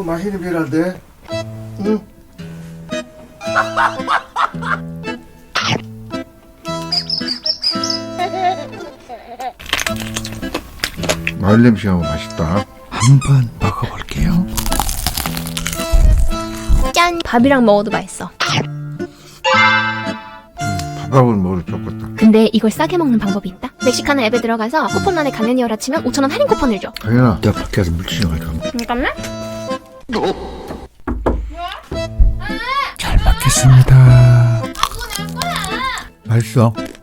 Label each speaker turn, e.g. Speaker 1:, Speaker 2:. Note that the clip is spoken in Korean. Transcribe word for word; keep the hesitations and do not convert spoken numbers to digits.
Speaker 1: 맛있는 비란데. 응? 마늘 냄새가 맛있다. 한번 먹어볼게요.
Speaker 2: 짠! 밥이랑 먹어도 맛있어.
Speaker 1: 밥하고는 먹어도 좋겠다.
Speaker 2: 근데 이걸 싸게 먹는 방법이 있다. 멕시카나 앱에 들어가서 쿠폰란에 강연이어라 치면 오천 원 할인 쿠폰을 줘.
Speaker 1: 당연아, 내가 밖에 가서 물티슈 좀 가져가.
Speaker 2: 잠깐만.
Speaker 1: 잘 먹겠습니다. 맛있어.